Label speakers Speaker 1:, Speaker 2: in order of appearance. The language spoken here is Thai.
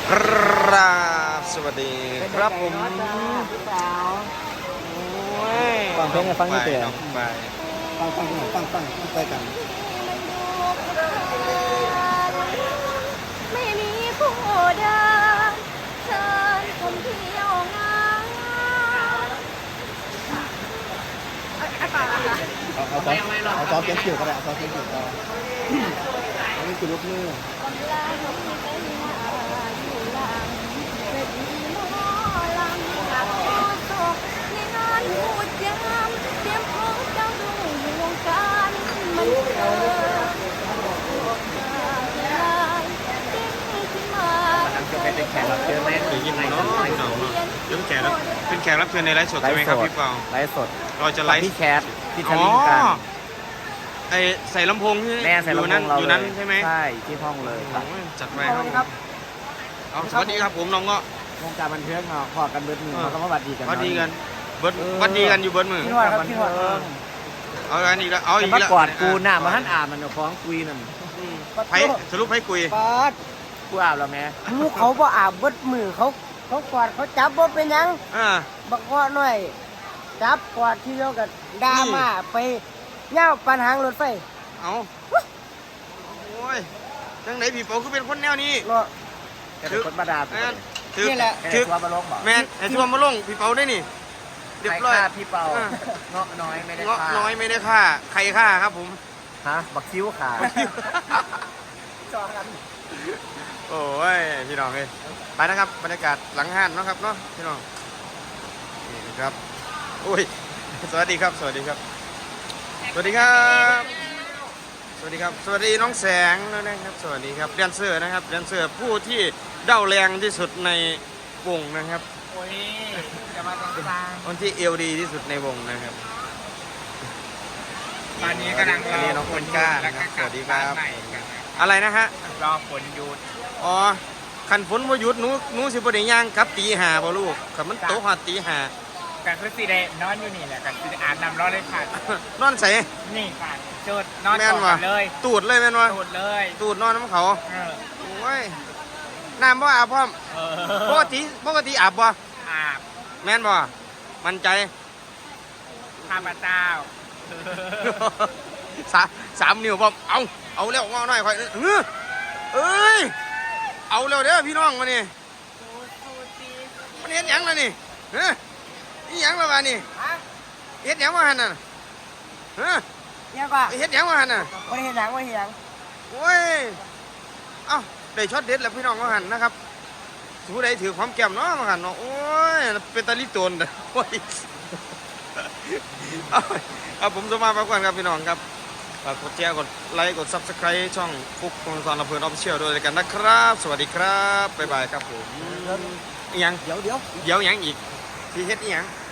Speaker 1: ครับสวัสดีครับผม
Speaker 2: ฟังเพลงให้ฟังนี่เสีย
Speaker 1: ไป
Speaker 2: ฟังไปกัน
Speaker 3: ไม่มีผู้ใดเชิญผมเที่ยวงาน
Speaker 2: เอาซอฟเก็บผิวก็ได้เอาซอฟเก็บผิวก็ได้อันนี้คือลูกมือ
Speaker 3: กำลังเป็นอยู่หลังเวทีหมอลำกับโคศกในงานพูดย้ำเตรียมพร้อมเจ้าดูวงการมันเกิด
Speaker 2: เป็นแขกรับเชิญไหม
Speaker 1: เคยยินไหมเนาะพี่น้องเนาะเป็นแขกรับเชิญในไลฟ์สดใช่ไหมครับพี่เปา
Speaker 2: ไลฟ์สด
Speaker 1: เราจะไลฟ์
Speaker 2: พี่แคทพี่ท
Speaker 1: อ๋อ
Speaker 2: ลิงกัน
Speaker 1: ไอใส่ลำโพงที่
Speaker 2: แม่ใส่ลำโพงเรา
Speaker 1: อยู่นั้นใช่ไหม
Speaker 2: ใช่ที่ห้องเลย
Speaker 1: โอ้ยจัดไปครับเอาสวัสดีครับผมน้องก็
Speaker 2: วงการบันเทิงเนาะพอกันเบิดมือเขาก็มาบัดดีกัน
Speaker 1: วัดดีกันเบิร์ดวัดดีกันอยู่เบิร์ดมือ
Speaker 2: พี่หอดครับพี่หอด
Speaker 1: เอาอันนี้แล้วเอาอีก
Speaker 2: มา
Speaker 1: แล้ว
Speaker 2: กอดกูหน้ามาหันอาบมันเนาะฟ้องคุยนั่น
Speaker 1: ไผสรุปให้คุย
Speaker 4: กอด
Speaker 2: กูอาบแล้วแม่
Speaker 4: ลูกเขาบ่อาบเบิดมือเขากอดเขาจับบ่เป็นหยัง
Speaker 1: อ่า
Speaker 4: บักเงาะหน่อยจับกอดทีเดียวกันดราม่าไปเง่าปัญหารถไฟ
Speaker 1: เอาโอ้ยจังไหนพี่เปาคือเป็นคนแนวนี้
Speaker 4: เนาะ
Speaker 2: แกเป็นคนมาดา
Speaker 1: แม่นถือ
Speaker 4: นี่แหละ
Speaker 2: แก
Speaker 1: ถือ
Speaker 2: ทัวร์มาลงบอก
Speaker 1: แม่นไอ้ทัวร์มาลงพี่เปาได้นี่เรียบ
Speaker 2: ใคร
Speaker 1: ร้อย
Speaker 2: ฆ่าพี่เปา
Speaker 1: อ่า
Speaker 2: เงาะน้อยไม่ได้
Speaker 1: เงาะ
Speaker 2: ฆ่า
Speaker 1: น้อยไม่ได้ฆ่าใครฆ่าครับผม
Speaker 2: ฮะบักคิ้วขา
Speaker 4: จอกัน
Speaker 1: โอ้ยพี่น้องเลยไปนะครับบรรยากาศหลังห้านเนาะครับเนาะพี่น้องนี่นะครับโอ้ยสวัสดีครับสวัสดีครับ สวัสดีครับ สวัสดีครับสวัสดีน้องแสงนะครับสวัสดีครับแดนเซอร์นะครับแดนเซอร์ผู้ที่เด้าแรงที่สุดในวงนะครับ
Speaker 2: โอ้ยจะมาตรงกลาง
Speaker 1: คนที่เอวดีที่สุดในวงนะครับ
Speaker 2: ตอนนี้กำลัง
Speaker 1: อันนี้น้องคนกล้านะครับสวัสดีครับอะไรนะฮะ
Speaker 2: รอฝนหยุด
Speaker 1: อ๋อขันฝนบ่หยุดหนูสิบ่ได้ย่างกลับตีห้าบ่ลูกขันมันโตหอดตีห้า
Speaker 5: กันคือสีแดงนอนอยู่นี่แหละกันสีอาบน้ำร้อนเลยค่ะ
Speaker 1: นอนใส่
Speaker 5: นี่ค่ะจุดนอน
Speaker 1: แม่
Speaker 5: ก
Speaker 1: น
Speaker 5: อ
Speaker 1: วะ
Speaker 5: ดเลย
Speaker 1: ตูดเลยแม่นวะ
Speaker 5: จุดเลย
Speaker 1: ตูดนอนน้ำเขา
Speaker 5: เออ
Speaker 1: โอ้ยน้ำบ่อาบพร้อม
Speaker 5: เอ
Speaker 1: ป
Speaker 5: อก
Speaker 1: ติอาบบ่
Speaker 5: อาบ
Speaker 1: แม่นบ่มั่นใจ
Speaker 5: ข้าพเจ้า
Speaker 1: สามนิ้วบ่เอาแล้วงอหน่อยค่อยเอ้ยเอาแล้วเด้อพี่น้องมานี่มันเฮ็ดหยังล่ะนี่เฮ้ยอีหยังล่ะวะนี่
Speaker 4: ฮะ
Speaker 1: เฮ็ดหยังวะหั่นน่ะเฮ้ย
Speaker 4: เนี่ยก็
Speaker 1: เฮ็ดหยังวะหั่นน่ะ
Speaker 4: บ่ได้เห็นหยังบ่ได้เห็นหยัง
Speaker 1: โอ้ยเอ้าได้ช็อตเด็ดแล้วพี่น้องวะหั่นนะครับผู้ใดถือความแก้มเนาะวะหั่นเนาะโอ้ยเป็นตาลิโตนเด้อโอ้ยเอาผมจะมาพักผ่อนครับพี่น้องครับฝากกดแชร์กดไลค์กด Subscribe ช่องฟุกคนสอนลำเพลินออฟฟิเชียลด้วยกันนะครับ สวัสดีครับบ๊ายบายครับผมอีหยัง
Speaker 4: เดี๋ยว
Speaker 1: เดี๋ยวอีหยังอีกที่เฮ็ดอีหยัง